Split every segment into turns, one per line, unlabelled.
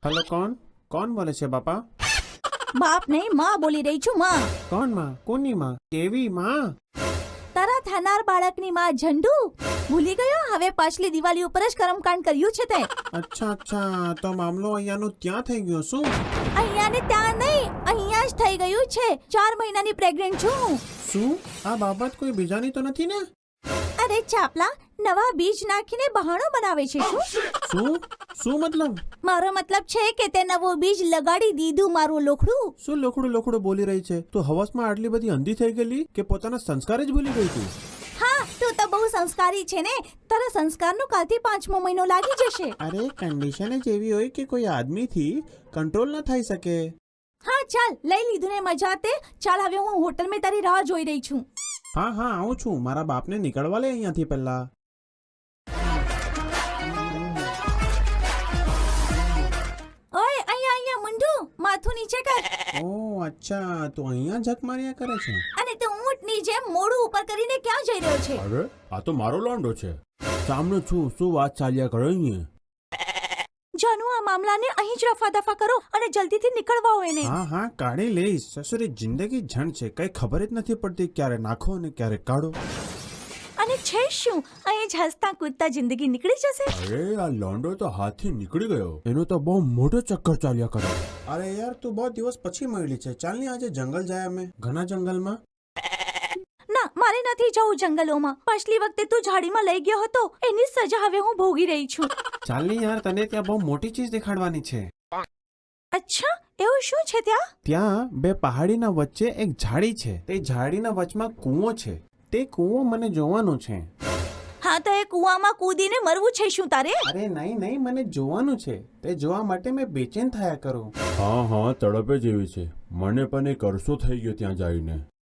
Hello कौन बोले છે બાપા?
બાપ નહીં, માં બોલી રહી છું. માં
કોણ માં? કોની માં? કેવી માં?
તારા થનાર બાળકની માં ઝંડુ. ભૂલી ગયો? હવે પાછલી દિવાળી ઉપર જ કર્મકાંડ કર્યું છે તે.
અચ્છા તો મામલો અહીંયાનું ત્યાં થઈ ગયો શું?
અહીંયા ને ત્યાં નહીં, અહીંયા જ થઈ ગયું છે. 4 મહિનાની પ્રેગ્નન્ટ છું હું.
શું આ બાબત કોઈ બીજાની તો નથી ને?
અરે ચાપલા, નવા બીજ નાખીને બહાણો બનાવે છે શું?
શું મતલબ?
મારો મતલબ છે કે તે નવો બીજ લગાડી દીધું મારું લોખડું.
શું લોખડું બોલી રહી છે? તો હવસમાં આટલી બધી અંધી થઈ ગયેલી કે પોતાના સંસ્કાર જ ભૂલી ગઈ તું?
હા, તું તો બહુ સંસ્કારી છે ને. તારા સંસ્કારનો કાલથી 5મો મહિનો લાગી જશે.
અરે કન્ડિશન જ એવી હોય કે કોઈ આદમીથી કંટ્રોલ ન થઈ શકે.
હા ચાલ, લઈ લીધું ને મજા તે. ચાલ હવે હું હોટલમાં તારી રાહ જોઈ રહી છું.
હા આવું છું. મારા બાપને નીકળવા લે અહીંયાથી પહેલા.
ઓય અહીંયા મુંડુ, માથું નીચે કર.
ઓહ અચ્છા, તો અહીંયા જક માર્યા કરે છે.
અને તું ઊંટની જેમ મોઢું ઉપર કરીને ક્યાં જઈ રહ્યો છે?
અરે આ તો મારો લોન્ડો છે. સામનો છું. શું વાત ચાલ્યા કરે અહીંયા?
જાનુ, આ મામલાને અહીં જ રફા દફા કરો અને જલ્દીથી નીકળવા હોય ને.
હા કાઢી લઈશ. સસુરી જિંદગી ઝંડ છે, કઈ ખબર જ નથી પડતી ક્યારે નાખો અને ક્યારે કાઢો.
અને છે શું, અહીં જ હસતા કૂદતા જિંદગી નીકળી જશે.
અરે આ લોન્ડો તો હાથથી નીકળી ગયો. એનો તો બહુ મોટો ચક્કર ચાલ્યા કરે. અરે યાર તું બહુ દિવસ પછી મળી છે. ચાલ ને આજે જંગલ જાય અમે. ઘણા જંગલમાં.
ના, મારે નથી જવું જંગલોમાં. પાછલી વખતે તું ઝાડીમાં લઈ ગયો હતો, એની સજા હવે હું ભોગી રહી છું.
ચાલ ને યાર, તને ત્યાં બહુ મોટી ચીજ દેખાડવાની છે.
અચ્છા, એવું શું છે ત્યાં?
ત્યાં બે પહાડીના વચ્ચે એક ઝાડી છે. તે ઝાડીના વચમાં કૂવો છે. તે કૂવો મને જોવાનો છે.
હા, તો એ કૂવામાં કૂદીને મરવું છે શું તારે?
અરે નહીં, મને જોવાનું છે. તે જોવા માટે મેં બેચેન થયા કરું.
હા તડપે જેવી છે. મને પણ એક અરસો થઈ ગયો ત્યાં જઈને.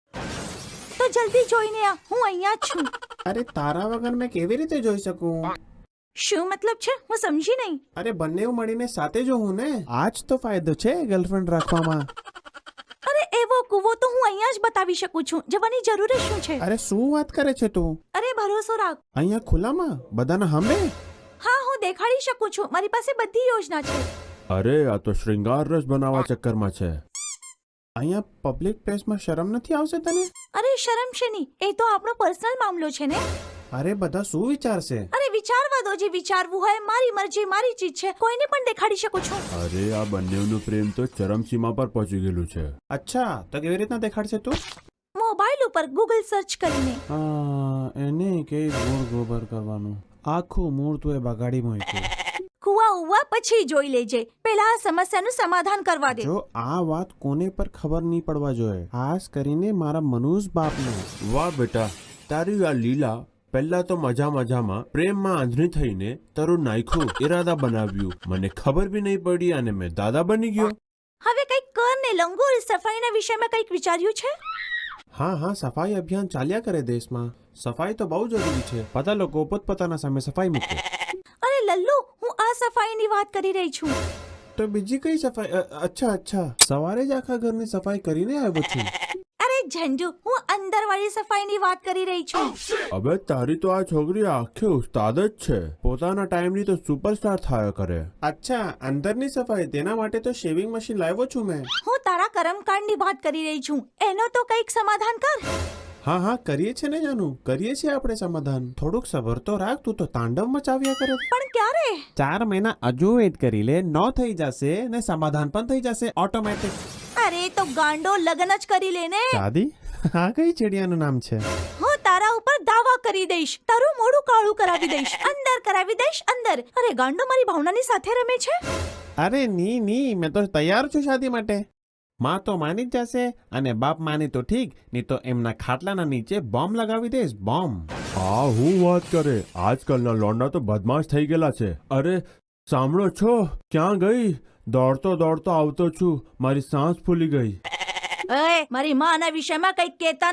તો જલ્દી જોઈને આ, હું અહીંયા જ છું.
અરે તારા વગર મેં કેવી રીતે જોઈ શકું?
શું મતલબ છે? હું સમજી નહીં.
અરે બંને મળીને સાથે જોઉં ને. આજ તો ફાયદો છે ગર્લફ્રેન્ડ રાખવામાં.
અરે એવો કૂવો તો હું અહીંયા જ બતાવી શકું છું. જવાની જરૂર શું છે?
અરે શું વાત કરે છે તું?
અરે ભરોસો રાખ.
અહીંયા ખુલ્લામાં બધાના સામે?
હા, હું દેખાડી શકું છું. મારી પાસે બધી યોજના છે.
અરે આ તો શૃંગાર રસ બનાવવા ચક્કરમાં છે.
અહીંયા પબ્લિક પ્લેસમાં શરમ નથી આવશે તને?
અરે શરમ છે નહીં, એ તો આપણો પર્સનલ મામલો છે ને.
અરે બધા શું વિચારશે?
અરે વિચારવા દો, જે વિચારવું હોય. મારી મરજી, મારી ચીજ છે. કોઈને પણ દેખાડી શકું છું.
અરે આ બંનેનું પ્રેમ તો ચરમસીમા પર પહોંચી ગયેલું છે.
અચ્છા તો કેવી રીતના દેખાડશે તું?
મોબાઈલ ઉપર ગૂગલ સર્ચ કરીને.
એને કે મૂળ ગોબર કરવાનું. આખું મૂળ તું એ બગાડી મૂક્યું.
કુવા ઉવા પછી જોઈ લેજે. પહેલા આ સમસ્યાનું સમાધાન કરવા દે.
જો આ વાત કોને પર ખબર નહીં પડવા જોઈએ, ખાસ કરીને મારા મનુષ બાપને.
વાહ બેટા, તારી આ લીલા પહેલા તો મજામાં પ્રેમમાં આંધળી થઈને તારું નાખ્યું ઈરાદા બનાવ્યું. મને ખબર બી નહીં પડી અને મેં દાદા બની ગયો.
હવે કઈક કર ને લંગોર. સફાઈના વિષયમાં કઈક વિચાર્યું છે?
હા સફાઈ અભિયાન ચાલ્યા કરે દેશમાં. સફાઈ તો બહુ જરૂરી છે. બધા લોકો પોતપોતાના સામે સફાઈ મૂકે.
અરે લલ્લુ, હું આ સફાઈની વાત કરી રહી છું.
તો બીજી કઈ સફાઈ? અચ્છા સવારે જ આખા ઘરની સફાઈ કરીને આવ્યો છું.
અરે ઝંડુ, હું અંદરવાળી સફાઈની વાત કરી રહી છું.
અબે તારી તો આ છોકરી આખી ઉસ્તાદ જ છે. પોતાના ટાઈમની તો સુપરસ્ટાર થયા કરે.
અચ્છા અંદરની સફાઈ, તેના માટે તો શેવિંગ મશીન લાવ્યો છું મેં.
હું તારા કર્મકાંડની વાત કરી રહી છું. એનો તો કઈક સમાધાન કર.
હા કરીએ છે ને જાનુ, કરીએ છીએ આપણે સમાધાન. થોડુંક સબર તો રાખ. તું તો તાંડવ મચાવ્યા કરે.
પણ ક્યારે?
4 મહિના હજુ વેટ કરી લે. ન થઈ જશે ને સમાધાન પણ થઈ જશે ઓટોમેટિક.
અરે તો ગાંડો, લગ્ન જ કરી લે ને.
દાદી, આ કઈ ચડિયાનું નામ છે?
હું તારા ઉપર દાવા કરી દઈશ. તારું મોઢું કાળું કરાવી દઈશ. અંદર કરાવી દઈશ, અંદર. અરે ગાંડો મારી ભાવનાની સાથે રમે છે.
અરે ની મેં તો તૈયાર છું શાદી માટે. માં તો માની જ જશે અને બાપ માની તો ઠીક, નહીં તો એમના ખાટલાના નીચે બોમ્બ લગાવી દઈશ. બોમ્બ.
આ હું વાત કરે. આજકાલના લોન્ડા તો બદમાશ થઈ ગયેલા છે. અરે સાંભળો છો? ક્યાં ગઈ? દોડતો આવતો છું. મારી સાંસ ફૂલી ગઈ.
ઓય, મારી માં આના વિષયમાં કઈક કહેતા નહીં.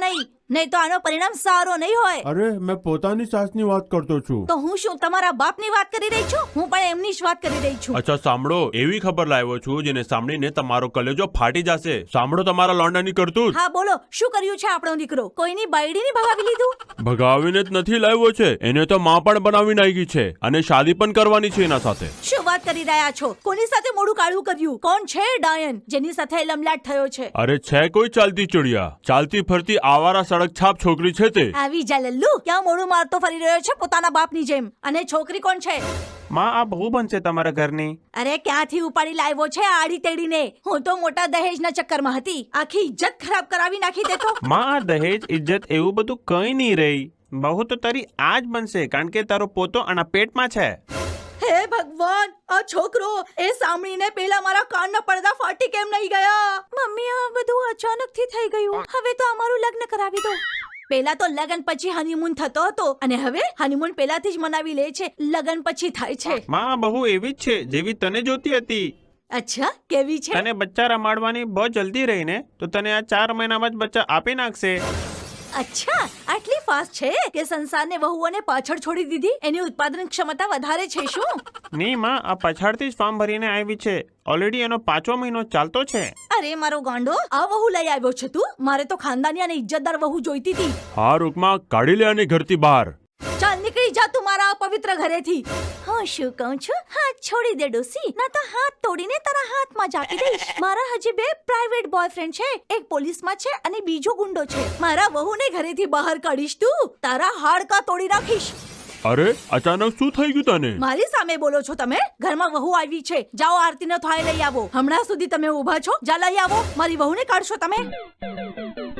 નહીં તો આનો પરિણામ સારો નહીં હોય.
અરે મેં પોતાની સાસની વાત કરતો છું.
તો હું શું તમારા બાપની વાત કરી રહી છું? હું પણ એમની જ વાત કરી રહી છું.
અચ્છા સાંભળો, એવી ખબર લાવ્યો છું જેને સાંભળીને તમારો કલેજો ફાટી જશે. સાંભળો તમારા લોંડાની કરતૂત.
હા બોલો, શું કર્યું છે આપણો દીકરો? કોઈની બાયડીની ભગાવી લીધું?
ભગાવીને જ નથી લાવ્યો છે, એને તો માં પણ બનાવી નાખી છે અને શાદી પણ કરવાની છે એના સાથે.
શું વાત કરી રહ્યા છો? કોની સાથે મોઢું કાળું કર્યું? કોણ છે ડાયન જેની સાથે લમલાટ થયો છે?
અરે છે કોઈ ચાલતી ચડિયા, ચાલતી ફરતી આવારા સડક છાપ છોકરી છે તે.
આવી જા લલ્લુ, ક્યાં મોઢું મારતો ફરી રહ્યો છે પોતાના બાપની જેમ? અને છોકરી કોણ છે?
માં આ બહુ બનશે તમારા ઘરની.
અરે ક્યાંથી ઉપાડી લાવ્યો છે આડી તેડીને? હું તો મોટા દહેજના ચક્કરમાં હતી. આખી ઇજ્જત ખરાબ કરાવી નાખી દેતો.
માં આ દહેજ ઇજ્જત એવું બધું કઈ નહીં રહી. બહુ તો તારી આ જ બનશે કારણ કે તારો પોતો આના પેટમાં છે.
હે ભગવાન, આ છોકરો એ સાંભળીને પેલા મારા કાનના પડદા ફાટી કેમ નહીં ગયા? મમ્મી, આ બધું અચાનકથી થઈ ગયું. હવે તો અમારું લગ્ન કરાવી દો. પેલા તો લગ્ન પછી હનીમૂન થતો હતો અને હવે હનીમૂન પેલાથી જ મનાવી લે છે, લગ્ન પછી થાય છે.
માં આ બહુ એવી જ છે જેવી તને જોતી હતી.
અચ્છા, કેવી છે?
તને બચ્ચા રમાડવાની બહુ જલ્દી રહી ને, તો તને આ 4 મહિનામાં જ બચ્ચા આપી નાખશે.
અચ્છા, આટલી ફાસ્ટ છે કે સંસારને વહુઓને પાછળ છોડી દીધી? એની ઉત્પાદન ક્ષમતા વધારે છે શું?
નહીં માં, આ પછાડથી જ ફોર્મ ભરીને આવી છે. ઓલરેડી એનો 5મો મહિનો ચાલતો છે.
અરે મારો ગાંડો, આ વહુ લઈ આવ્યો છે તું? મારે તો ખાનદાની અને ઇજ્જતદાર વહુ જોઈતી હતી.
હા રૂકમાં કાઢી લે આને ઘરથી બહાર.
ચાલ નીકળી જા તું મારા અપવિત્ર ઘરેથી. હું શું કહું છું? હાથ છોડી દે ડોસી, ના તો હાથ તોડીને તારા હાથમાં જ આપી દઈશ. મારા હજી 2 પ્રાઇવેટ બોયફ્રેન્ડ છે, એક પોલીસમાં છે અને બીજો ગુંડો છે. મારા વહુને ઘરેથી બહાર કાઢીશ તું, તારા હાડકા તોડી નાખીશ.
અરે અચાનક શું થઈ ગયું તને?
મારી સામે બોલો છો તમે? ઘરમાં વહુ આવી છે, જાઓ આરતીનો થાળી લઈ આવો. હમણાં સુધી તમે ઊભા છો, જા લઈ આવો. મારી વહુને કાઢશો તમે?